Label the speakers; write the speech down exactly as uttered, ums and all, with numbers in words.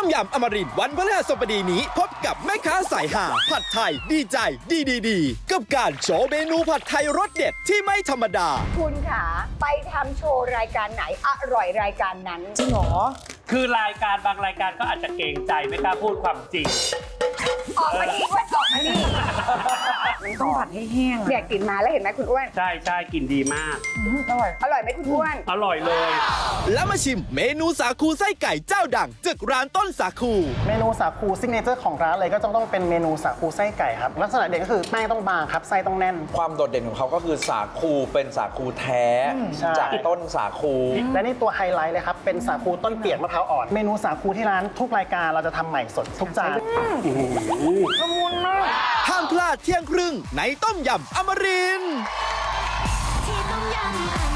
Speaker 1: ต้มยำอมรินทร์วันพฤหัสบดีนี้พบกับแม่ค้าสายหาผัดไทยดีใจดีดีดีกับการโชว์เมนูผัดไทยรสเด็ดที่ไม่ธรรมดา
Speaker 2: คุณขาไปทำโชว์รายการไหนอร่อยรายการนั้น
Speaker 3: จริงเหรอ
Speaker 4: คือรายการบางรายการก็อาจจะเกรงใจไม่กล้าพูดความจริง
Speaker 2: ออกมาดีอ้วนออกมาดี
Speaker 3: มันต้องผัดให้แห้ง
Speaker 2: เนี่ยกลิ่นมาแล้วเห็นไหมคุณอ้วน
Speaker 4: ใช่ใช่กลิ่นดีมาก
Speaker 3: อร่อย
Speaker 2: อร่อยไหมคุณอ้วน
Speaker 4: อร่อยเลย
Speaker 1: แล้วมาชิมเมนูสาคูไส้ไก่เจ้าดังจากร้านต้นสาคู
Speaker 5: เมนูสาคูซิกเนเจอร์ของร้านเลยก็ต้องต้องเป็นเมนูสาคูไส้ไก่ครับลักษณะเด่นก็คือแป้งต้องบางครับไส้ต้องแน่น
Speaker 6: ความโดดเด่นของเขาก็คือสาคูเป็นสาคูแท้จากต้นสาคู
Speaker 5: และนี่ตัวไฮไลท์เลยครับเป็นสาคูต้นเปียกมะพร้าวอ่อนเมนูสาคูที่ร้านทุกรายการเราจะทำใหม่สดทุกจาน
Speaker 3: ละมุนมาก
Speaker 1: ห้ามพลาดเที่ยงครึ่งในต้มยำอมรินทร์
Speaker 7: ที่ต้มยำ